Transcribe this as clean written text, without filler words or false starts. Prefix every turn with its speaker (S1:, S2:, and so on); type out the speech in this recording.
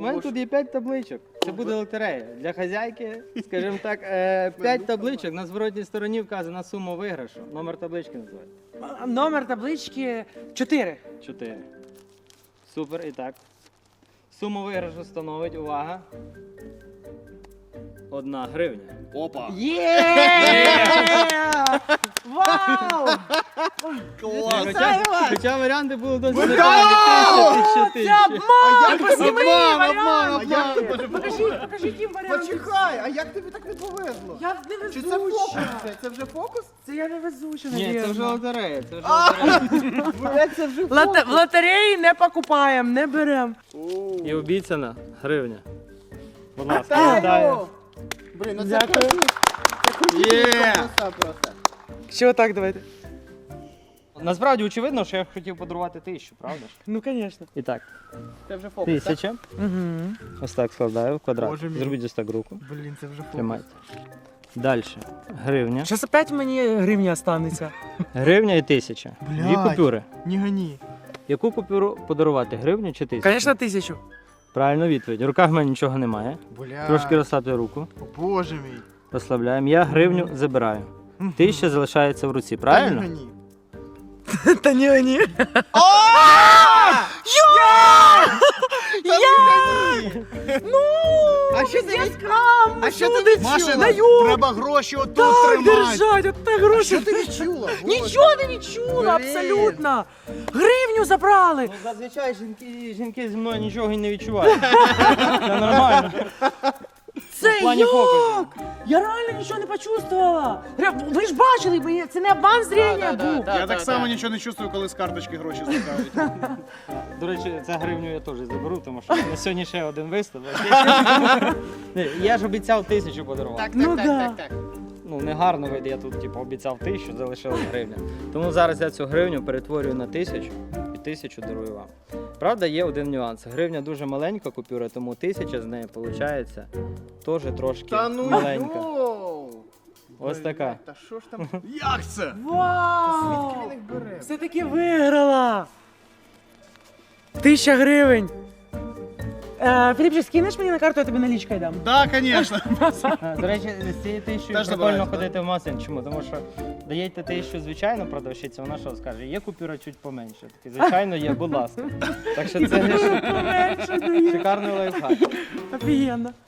S1: мене тут є 5 табличок. Це буде лотерея. Для хазяйки, скажімо так, 5 табличок. На зворотній стороні вказана сума виграшу. Номер таблички називається.
S2: Номер таблички 4.
S1: 4. Супер, і так. Суму виграшу становить, увага, 1 гривня.
S3: Опа!
S2: Є! Вау!
S3: Клас!
S1: Хоча варіанти були досить
S3: Вау!
S1: непевні.
S2: Це обман!
S3: Обман!
S2: Покажіть їм варіанти.
S3: Почекай, а як тобі так не повезло?
S2: Я не
S3: Чи це фокус?
S2: везуча.
S3: Це вже фокус?
S2: Це я не везуча,
S1: Ні, це вже
S2: навірно.
S1: лотерея. Це вже лотерея.
S3: Це вже
S2: В лотереї не покупаємо, не беремо.
S1: І обіцяна гривня. Будь ласка,
S3: Вітаю!
S1: вітаю.
S3: Блін, ну це
S2: Дякую.
S3: красиво. Краса просто.
S2: Що так, давайте?
S1: Насправді очевидно, що я хотів подарувати 1000, правда ж?
S2: Ну, звісно.
S1: І так,
S3: Це вже фокус, так?
S1: 1000.
S2: Угу.
S1: Ось так складаю в квадрат.
S3: Боже мій.
S1: Зробіть ось так руку.
S3: Блін, це вже фокус.
S1: Тримайте. Далі. Гривня.
S2: Зараз опять мені гривня останеться.
S1: Гривня і 1000. Дві
S3: Блядь.
S1: купюри.
S3: Ні гані.
S1: Яку купюру подарувати? Гривню чи 1000?
S2: Звісно, 1000.
S1: Правильно відповідь. В руках в мене нічого немає.
S3: Бля.
S1: Трошки розслабте руку.
S3: Боже мій.
S1: Розслабляємо. Я гривню забираю. 1000 залишається в руці, правильно?
S3: Та ні гані.
S2: Та ні.
S3: А що ти?
S2: Скам!
S3: А що ти
S4: Машина, треба гроші отут
S2: Так
S4: тримати.
S2: держать, от так гроші.
S3: Що ти відчула?
S2: Нічого не відчула,
S3: Блін.
S2: абсолютно. Гривню забрали.
S1: Ну, зазвичай жінки зі мною нічого і не відчувають. Це нормально.
S2: Це
S1: В плані
S2: як?
S1: фокусу.
S2: Я реально нічого не почувствувала. Ви ж бачили, це не обман зрення був.
S4: Я так само нічого не чувствую, коли з карточки гроші зникають.
S1: До речі, цю гривню я теж заберу, тому що на сьогодні ще один виступ. Ні, я ж обіцяв 1000 подарувати.
S2: Ну да.
S1: Ну, не гарно вийде, я тут типу, обіцяв 1000, залишилась гривня. Тому зараз я цю гривню перетворюю на 1000 і 1000 дарую вам. Правда, є один нюанс. Гривня дуже маленька купюра, тому 1000 з неї виходить теж трошки
S3: Та ну
S1: маленька.
S3: йоу.
S1: Ось така.
S3: Та що ж там?
S4: Як це?
S2: Вау!
S3: Звідки він їх бере?
S2: Все-таки виграла. 1000 гривень. Філіпчик, скинеш мені на карту, я тобі налічкою дам.
S4: Так, звісно.
S1: До речі, з цією 1000
S4: Теж
S1: прикольно
S4: забираєте,
S1: ходити в магазин. Чому? Тому що даєте 1000 звичайно продавщиця, вона що скаже, є купюра чуть поменше. Такий, звичайно, є, будь ласка. Так що це
S2: Поменше дає.
S1: шикарний лайфхак.
S2: Офігенно.